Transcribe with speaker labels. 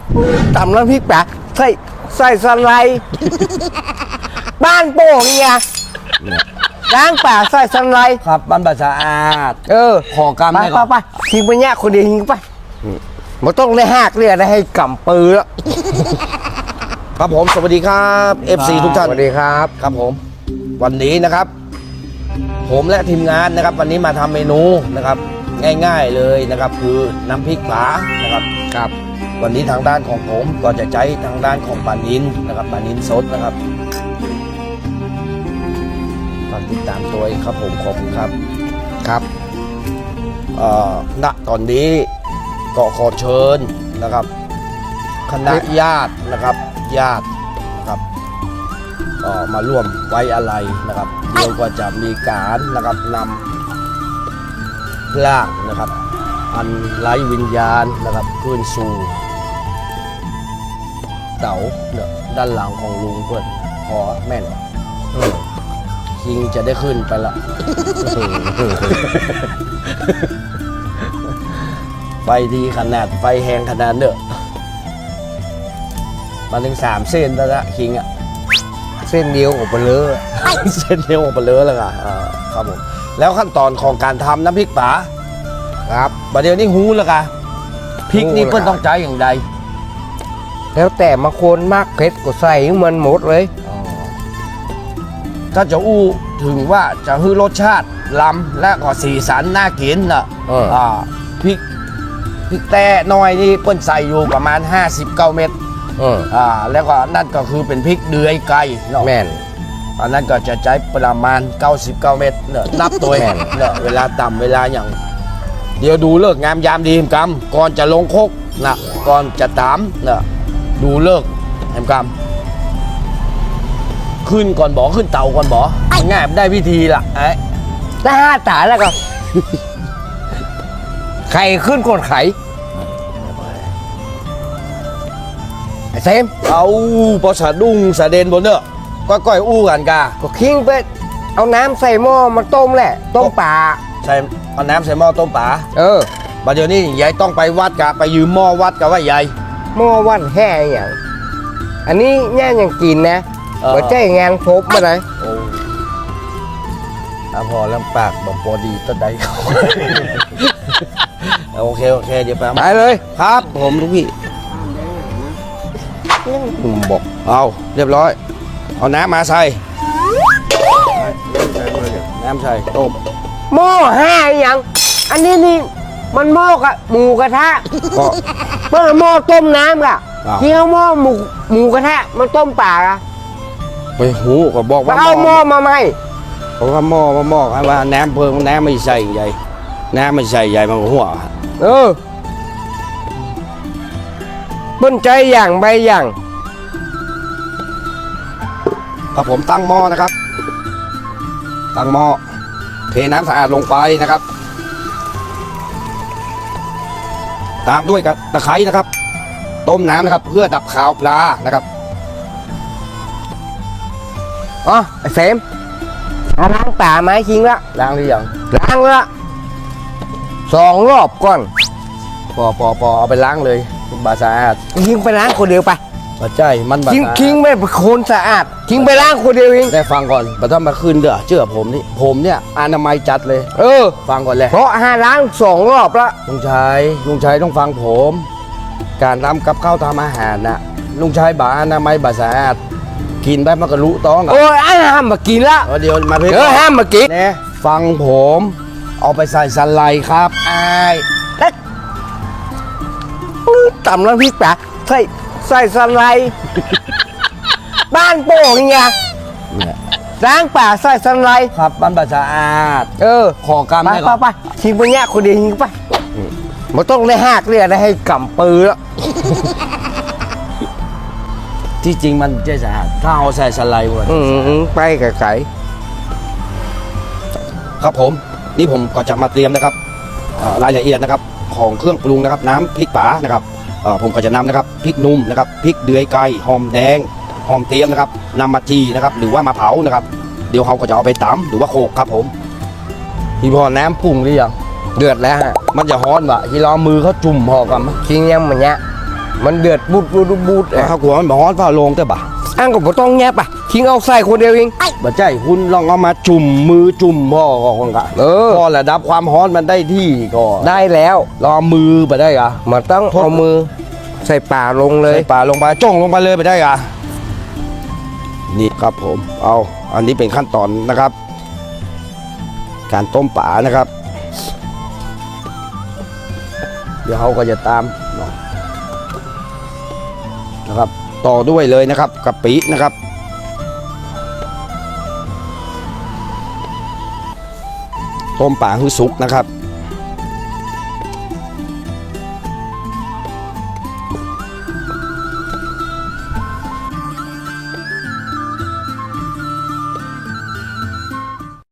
Speaker 1: ตำน้ำพริกปลาใส่สไลด์บ้านโป่งเนี่ยล้างป่าใส่สไลด์
Speaker 2: ครับบ้านบาสะอาดขอกรรมให้
Speaker 1: ไปทิ้งไปเนี่ยคนเดียวทิ้งไปมันต้องได้หักเรียกได้ให้กำปือแล้ว
Speaker 2: ครับผมสวัสดีครับ FC ทุกท่าน
Speaker 1: สวัสดีครับ
Speaker 2: ครับผมวันนี้นะครับผมและทีมงานนะครับวันนี้มาทำเมนูนะครับง่ายๆเลยนะครับคือน้ำพริกปลานะครับ
Speaker 1: ครับ
Speaker 2: วันนี้ทางด้านของผมก็จะใช้ทางด้านของปลานิลนะครับปลานิลสดนะครับฝากติดตามตัวครับผมขอบคุณครับ
Speaker 1: ครับ
Speaker 2: ณตอนนี้ก็ขอเชิญนะครับคณะญาตินะครับญาตินะครับมาร่วมไว้อะไรนะครับเดี๋ยวก็จะมีการนะครับนำร่างนะครับอันไร้วิญญาณนะครับขึ้นสู่เต๋าเนี่ยด้านหลังของลุงเพื่อนขอแม่นคิงจะได้ขึ้นไปละไฟดีขนาดไฟแหงขนาดเนอะมาถึง3 เส้นแล้วละคิงอ่ะ
Speaker 1: เส้นเดียวออกไปเลย
Speaker 2: เส้นเดียวออกไปเลยแล้วค่ะครับผมแล้วขั้นตอนของการทำน้ำพริกป๋า
Speaker 1: ครับ
Speaker 2: ประเดี๋ยวนี้หูแล้วค่ะพริกนี่เพื่อนต้องใจอย่างใด
Speaker 1: แล้วแต่บางคนมากเผ็ดก็ใส่มันหมดเลย
Speaker 2: ถ้าจะอู้ถึงว่าจะให้รสชาติล้ำและก็สีสันน่ากินน่ะพริกแต่น้อยนี่เปิ้นใส่อยู่ประมาณ59 เม็ดแล้วก็นั่นก็คือเป็นพริกเดือยไก่เนาะ
Speaker 1: แม่น
Speaker 2: อันนั้นก็จะใช้ประมาณ99 เม็ดเนอะนับตัวเนอะเวลาต่ำเวลาอย่างเดี๋ยวดูเลิกงามยามดีกรรมก่อนจะลงโคกนะก่อนจะตามเนอะดูเลิกแหมกรรมขึ้นก่อนบ่ขึ้นเตาก่อนบ่ง่ายได้วิธีละไอ้
Speaker 1: ถ้า5 ตาแล้วก็ไข่ขึ้นก่อนไข่ไอ้เซม
Speaker 2: เอาพอสะดุ้งสะเด็นบนเนอะก้อยอู้กันกา
Speaker 1: ก็คิงไปเอาน้ำใส่หม้อมาต้มแหละต้มปลา
Speaker 2: ใส่เอาน้ำใส่หม้อต้มปลาบัดเดี๋ยวนี้ยายต้องไปวัดกะไปยืมหม้อวัดกะว่ายาย
Speaker 1: หม้อวัดแห่อย่างอันนี้แง่ยังกินนะหัวใจงานพบมาไหน
Speaker 2: พอแล้วปากบอกพอดีต้นใดเขาโอเคเดี๋ยวไป
Speaker 1: เลย
Speaker 2: ครับผมทุกพี่บอกเอาเรียบร้อยเอาน้ำมาใส่น้ำใส่ต้ม
Speaker 1: หม้อ5อย่างอันนี้นี่มันหม้อกับหมูกระทะก็เมื่อหม้อต้มน้ำกะที่เขาหม้อหมูกระทะมันต้มปลาอะ
Speaker 2: ไปหูก็บอกว่า
Speaker 1: เอาหม้อมาไหม
Speaker 2: เพราะว่าหม้อว่าน้ำเพิ่งน้ำไม่ใส่ใหญ่น้ำไม่ใส่ใหญ่มันหัว
Speaker 1: บนใจอย่างใบอย่าง
Speaker 2: ครับผมตั้งหม้อนะครับตั้งหม้อเทน้ำสะอาดลงไปนะครับตามด้วยกับตะไคร้นะครับต้มน้ำนะครับเพื่อดับคาวปลานะครับ
Speaker 1: ไอ้เสมล้างป่าไม้คิงละ
Speaker 2: ล้างหรือยัง
Speaker 1: ล้างละ2 รอบก่อน
Speaker 2: พอเอาไปล้างเลยบาสะอาด
Speaker 1: คิงไปล้างคนเดียวไป
Speaker 2: ใช่มันบา
Speaker 1: คิงไม่คนสะอาดคิงไปล้างคนเดียวเอง
Speaker 2: ได้ฟังก่อนบัดต้องมาคืนเด้อเชื่อผมเนี่ยอนามัยจัดเลยฟังก่อนเลย
Speaker 1: เพราะล้าง2 รอบละ
Speaker 2: ลุงชัยต้องฟังผมการทำกับข้าวทำอาหารน่ะลุงชัยบาอนามัยบาสะอาดกินไปมันก็รู้ต้อง
Speaker 1: ห้ามมากินละ
Speaker 2: เดี๋ยวมา
Speaker 1: ห้ามมากิน
Speaker 2: เนี่ยฟังผมเอาไปใส่สไลด์ครับ
Speaker 1: ตำน้ำพริกปลาใส่สไลด์บ้านโป่งเนี่ยล้างป่าใส่สไลด์
Speaker 2: ครับบ้านบาสะอาดขอกรรม
Speaker 1: ไปทิ้งไปเนี่ยคนเดียวทิ้งไปมันต้องได้หักเรียกได้ให้กำปือแล้ว
Speaker 2: ที่จริงมันจะสะอาดถ้าเอาใส่สไลด์วัน
Speaker 1: ไปไก่
Speaker 2: ครับผมนี่ผมก็จะมาเตรียมนะครับรายละเอียดนะครับของเครื่องปรุงนะครับน้ำพริกป๋านะครับผมก็จะนำนะครับพริกนุ่มนะครับพริกเดือยไก่หอมแดงหอมเทียมนะครับนำมาจีนะครับหรือว่ามาเผานะครับเดี๋ยวเขาก็จะเอาไปตำหรือว่าโขกครับผมพี่พอน้ำปรุงหรือยัง
Speaker 1: เดือดแล้ว
Speaker 2: มันจะฮ้อนวะที่เรามือเขาจุ่มพอกันมั้ย
Speaker 1: คิงยังมันเนี้ยมันเดือดบูดบูดบูด
Speaker 2: ข้าวกลัวมันร้อนฝ้าโลงแต่บ่ะ
Speaker 1: อังก็บ่ต้องแงบอ่ะทิ้งเอาใส่คนเดียวเอง
Speaker 2: บ่ใจคุณลองเอามาจุ่มมือจุ่มพ่อก็คนกะ พอระดับความร้อนมันได้ที่ก็
Speaker 1: ได้แล้ว
Speaker 2: ลองเอามือไปได้กะ
Speaker 1: มันต้องเอามือใส่ป่าลงเลย
Speaker 2: ใส่ปลาลงไปจ้องลงไปเลยไปได้กะนี่ครับผมเอาอันนี้เป็นขั้นตอนนะครับ การต้มปลานะครับ เดี๋ยวเขาก็จะตามนะครับ ต่อด้วยเลยนะครับกะปินะครับ ต้มปลาให้สุกนะครับ